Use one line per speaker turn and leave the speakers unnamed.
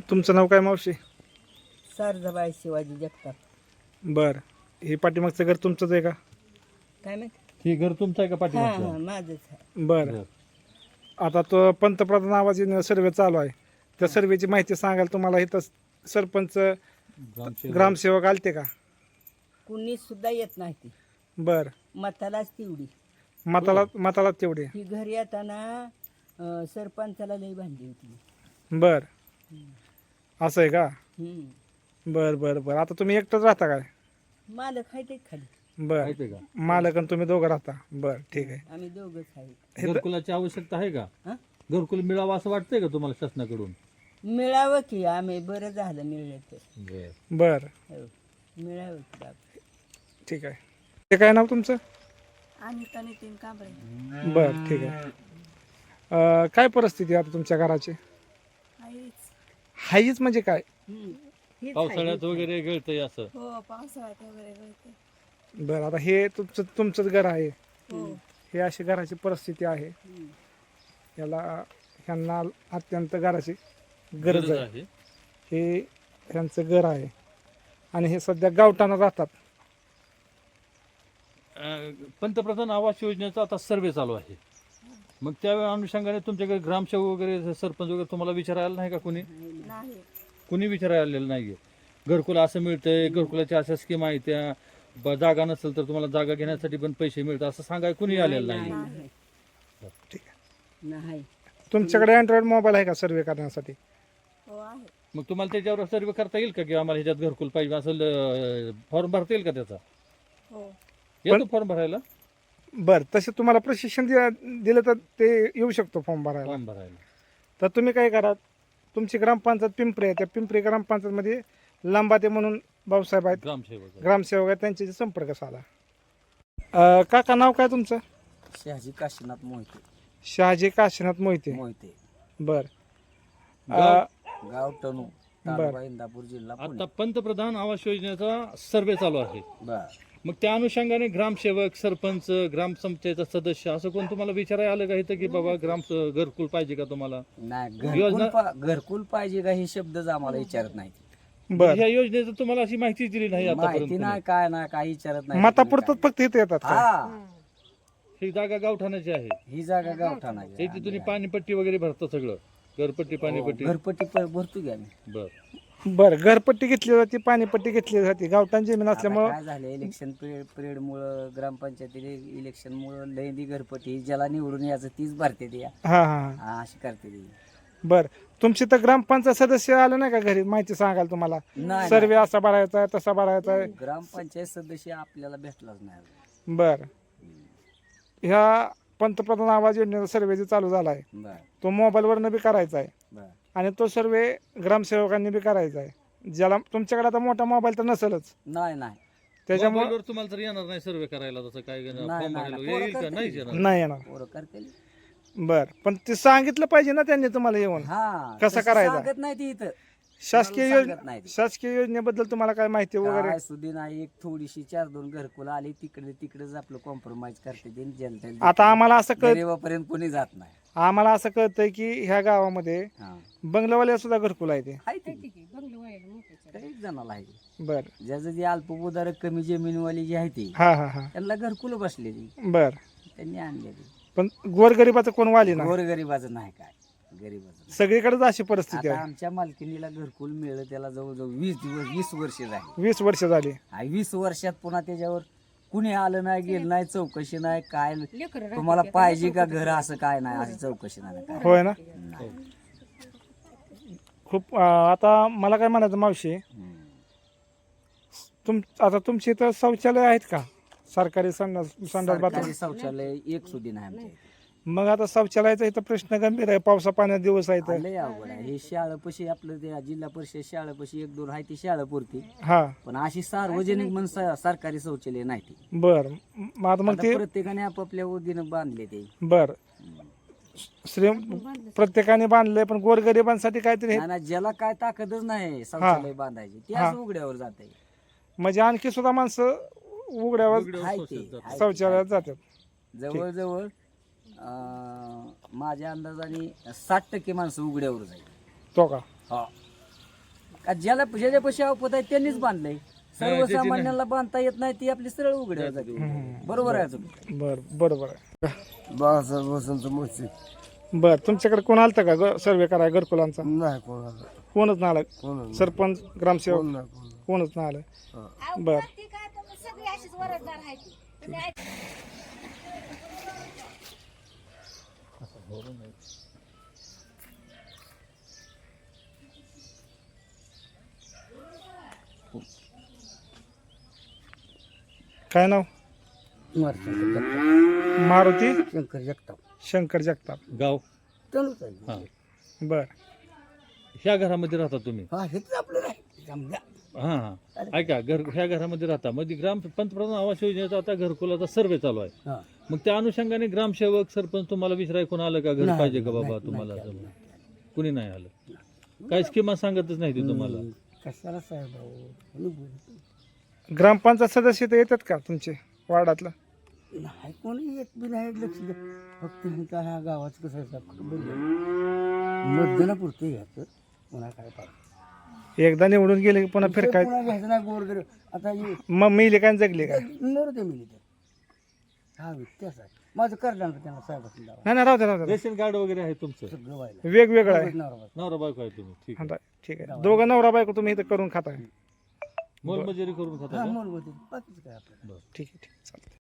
तुमचं नाव काय मावशी?
शारदाबाई शिवाजी जगताप.
बर, हे पाठीमागचं घर तुमचंच आहे का?
काय माहिती?
हे घर तुमचं आहे का
हां
पाठीमागचं?
हां माझंच आहे.
बर, आता तो पंतप्रधान आवाज योजना सर्वे चालू आहे, त्या सर्वेची माहिती सांगाल तुम्हाला इथं सरपंच ग्रामसेवक आलते का?
कुणी सुद्धा येत नाही ती.
बर,
मतालाच तेवढी.
मताला तेवढे.
ही घरी येताना सरपंचाला लई बांधली होती.
बर, असं आहे का?
हम्म.
बर बर बर, आता तुम्ही एकटंच राहता काय?
मालक आहे ते खाली.
बर,
माहिती का?
मालक आणि तुम्ही दोघं राहता. बर, ठीक आहे.
आम्ही दोघंच आहे.
घरकुलाची आवश्यकता आहे का?
हं?
घरकुल मिळावं असं वाटतंय का तुम्हाला शासनाकडून?
मिळावं की आम्ही बरं झालं मिळलं तर.
बर,
हो. मिळावं की बाबा.
ठीक आहे. ते काय नाव तुमचं?
अनिता नितीन कांबळे.
बर, ठीक आहे. काय परिस्थिती आहे आता तुमच्या घराची? हाईच म्हणजे काय?
हीच
पावसाळ्यात
आहे.
वगैरे गळतंय असं?
हो पावसाळ्यात वगैरे गळते.
बर, आता हे तुमचंच घर आहे,
हो
हे अशी घराची परिस्थिती आहे.
हम्म.
ह्यांना अत्यंत घराची गरज आहे. हे ह्यांचं घर आहे आणि हे सध्या गावठाणं राहतात.
पंतप्रधान आवास योजनेचा आता सर्वे चालू आहे, मग त्या अनुषंगाने तुमच्याकडे ग्रामसेवक वगैरे सरपंच वगैरे तुम्हाला विचारायला नाही का? कुणी
नाही
कुणी विचारायला आलेलं नाहीये? घरकुल असं मिळतंय, घरकुलाच्या अशा स्कीम आहेत, त्या जागा नसेल तर तुम्हाला जागा घेण्यासाठी पण पैसे मिळतात असं सांगाय कुणी आलेलं नाही?
नाही
ठीक आहे.
नाही.
तुमच्याकडे अँड्रॉइड मोबाईल आहे का सर्वे करण्यासाठी?
हो आहे.
मग तुम्हाला त्याच्यावर सर्वे करता येईल का की आम्हाला ह्याच्यात घरकुल पाहिजे असं फॉर्म भरता येईल का त्याचा?
हो
येतो फॉर्म भरायला?
बर, तसे तुम्हाला प्रशिक्षण दिलं तर ते येऊ शकतो फॉर्म भरायला.
फॉर्म भरायला
तर तुम्ही काय करा, तुमची ग्रामपंचायत पिंपरी आहे, त्या पिंपरी ग्रामपंचायतमध्ये लांबाते म्हणून भाऊसाहेब आहेत,
ग्रामसेवक
ग्रामसेवक आहेत, त्यांच्याशी संपर्क साधा. काका नाव काय तुमचं?
शहाजी काशीनाथ मोहिते.
शहाजी काशीनाथ मोहिते.
मोहिते.
बर,
गाव टणू, तालुका इंदापूर, जिल्हा पुणे.
आता पंतप्रधान आवास योजनेचा सर्वे चालू आहे,
बर.
मग त्या अनुषंगाने ग्रामसेवक, सरपंच, ग्रामपंचायतचा सदस्य असं कोण तुम्हाला विचारायला आलं का इथं की बाबा घरकुल पाहिजे का तुम्हाला?
नाही
योजना-
घरकुल पाहिजे का हे शब्दच आम्हाला विचारत नाही.
बर.
ह्या योजनेचं तुम्हाला अशी माहिती दिली नाही
माहिती
आतापर्यंत?
नाही काय नाही काही विचारत नाही.
मतापुरतच फक्त इथे येतात का?
हा
ही जागा गावठाणाची आहे,
ही जागा गावठाणाची.
हे तुम्ही पाणीपट्टी वगैरे भरता सगळं, घरपट्टी पाणीपट्टी?
घरपट्टी भरतो की आम्ही.
बर,
बर, घरपट्टी घेतली जाते, पाणीपट्टी घेतली जाते, गावठाण जमीन
आता
असल्यामुळं.
काय झालं इलेक्शन पिरियड मुळे ग्रामपंचायतीने इलेक्शन मुळे लयदी घरपट्टी ज्याला निवडून यायचं तीच भरते ती.
हा हा हा.
अशी करते ती.
बर, तुमची तर ग्रामपंचायत सदस्य आलं नाही का घरी माहिती सांगाल तुम्हाला?
नाही
सर्वे असा भरायचा आहे, तसा भरायचा आहे.
ग्रामपंचायत सदस्य आपल्याला भेटलाच नाही.
बर, ह्या पंतप्रधान आवाज योजनेचा सर्वे जे चालू झाला आहे,
बर
तो मोबाईलवरनं बी करायचा आहे
बर.
आणि तो सर्वे ग्रामसेवकांनी बी करायचा आहे. ज्याला तुमच्याकडे आता मोठा मोबाईल तर नसेलच,
नाही नाही
त्याच्यामुळे
मोबाईलवर तुम्हाला तर येणार नाही सर्वे करायला, तसं काय
नाही,
फॉर्म
नाही.
भरायला
पोरं
येईल का?
करतील.
नाही येणार.
नाही येणार.
पोरं करतील.
बर, पण ते सांगितलं पाहिजे ना त्यांनी तुम्हाला येऊन.
हा
कसं
तसं
करायचं?
सांगत नाही ती इथं.
शासकीय
कोणाला सांगत
योजना,
नाही ते.
शासकीय योजनेबद्दल तुम्हाला काय माहिती वगैरे?
काय सुधी नाही. एक थोडीशी 4-2 घरकुल आली तिकडेच आपलं कॉम्प्रोमाइज करते ते जनतेला.
आता आम्हाला असं कळत
गरीबापर्यंत कोणी जात नाही.
आम्हाला असं कळतंय की ह्या गावामध्ये
हा
बंगल्यावाले सुद्धा घरकुल आहे ते.
आहे ते एक जणाला आहे.
बर,
ज्याचं जे अल्पभूधारक कमी जमीनवाली जी आहे ती
हा हा हा.
त्यांना घरकुल बसलेली
बर,
त्यांनी आणलेली.
पण गोरगरिबाचं कोण वाली ना,
गोरगरिबाचं नाही काय. गरीबाचं नाही.
सगळीकडेच अशी परिस्थिती
आता
आहे.
आमच्या मालकीनीला घरकुल मिळलं त्याला जवळजवळ 20 वर्ष झाली.
20 वर्ष झाली.
20 वर्षात पुन्हा त्याच्यावर कुणी आलं नाही गेलं नाही चौकशी नाही काय. तुम्हाला पाहिजे का घर असं काय नाही अशी चौकशी नाही काय.
होय ना.
नाही.
खूप आता मला काय म्हणायचं मावशी, आता तुमची इथं शौचालय आहेत का? सरकारी संडास बाथरूम?
सरकारी शौचालय एक सुधी नाही आमच्या इथे.
मग आता शौचालयाचा इथं प्रश्न गंभीर आहे, पावसा पाण्यात दिवस आहे तर.
लय अवघड आहे हे. शाळापाशी आपलं त्या जिल्हा परिषद शाळापाशी 1-2 आहे ती शाळापुरती.
हा,
पण अशी सार्वजनिक म्हणून सरकारी शौचालय नाही ती.
बर, मग आता मग
आता
ते
प्रत्येकाने आपापल्या वगीनं बांधले ते.
बर, श्री प्रत्येकाने बांधलंय, पण गोरगरिबांसाठी काहीतरी
आणि ज्याला काय ताकदच नाही शौचालय बांधायची ते असं उघड्यावर जात आहे.
म्हणजे आणखी सुद्धा माणसं उघड्यावर शौचालयात जातात.
जवळजवळ माझ्या अंदाजाने 60% माणसं उघड्यावर जाईल.
तो का?
हा का ज्याला ज्याच्यापाशी अवपत आहे त्यांनीच बांधलंय. सर्वसामान्यांना बांधता येत नाही ती आपली सरळ उघड आहे जागी. बरोबर आहे तुम्ही.
बरोबर आहे.
बाळासाहेब वसंत मोर्चे.
बर तुमच्याकडे कोण आलतं का सर्वे कराय घरकुलांचा?
नाही कोणाला,
कोणच नाही आलं?
कोणाला
सरपंच ग्रामसेवक
कोण नाही कोणाला.
कोणच नाही आलं? बर काय नाव? मारुती
शंकर जगताप.
शंकर जगताप.
गाव
तनुच आहे.
हा
बर
ह्या घरामध्ये राहता तुम्ही?
हा हेच आपलं नाही समजा.
हा हा ऐका ह्या घरामध्ये राहता मध्ये पंतप्रधान आवास योजनेचा आता घरकुलाचा सर्वे चालू आहे.
हा.
मग त्या अनुषंगाने ग्रामसेवक सरपंच तुम्हाला विचाराय कोण आलं का घर
नाही,
पाहिजे का
नाही,
बाबा
नाही,
तुम्हाला
नाही,
असं?
नाही.
कुणी नाही आलं? काय स्कीमा सांगतच नाही ते तुम्हाला?
कशाला साहेब
ग्रामपंचायत सदस्य तर येतात का तुमचे वार्डातलं?
नाही कोणी येत बी नाही लक्ष देत. फक्त ह्यांचा ह्या गावाचं कसं मतदानापुरतं घ्यायचं. पुन्हा काय पाहिजे
एकदा निवडून गेले की पुन्हा फिरकाय.
पुन्हा घ्यायचं नाही गोरगर. आता
मग मिले काय जगले काय?
नर ते मिली तर हा व्यत्यास आहे. माझं करणार त्यांना साहेबांनी दावा
नाही नाही राहू द्या, राहू द्या.
रेशन कार्ड वगैरे आहे तुमचं?
सगळं व्हायला
वेगवेगळं आहे.
नवरा
नवरा बायको आहे तुम्ही? ठीक आहे.
आता ठीक आहे. दोघं नवरा बायको तुम्ही इथं करून खाताय.
मोलमजुरी करून खाता
हा
का?
म्हणून बाकीचं काय आपलं
ठीक आहे ठीक आहे चालतंय.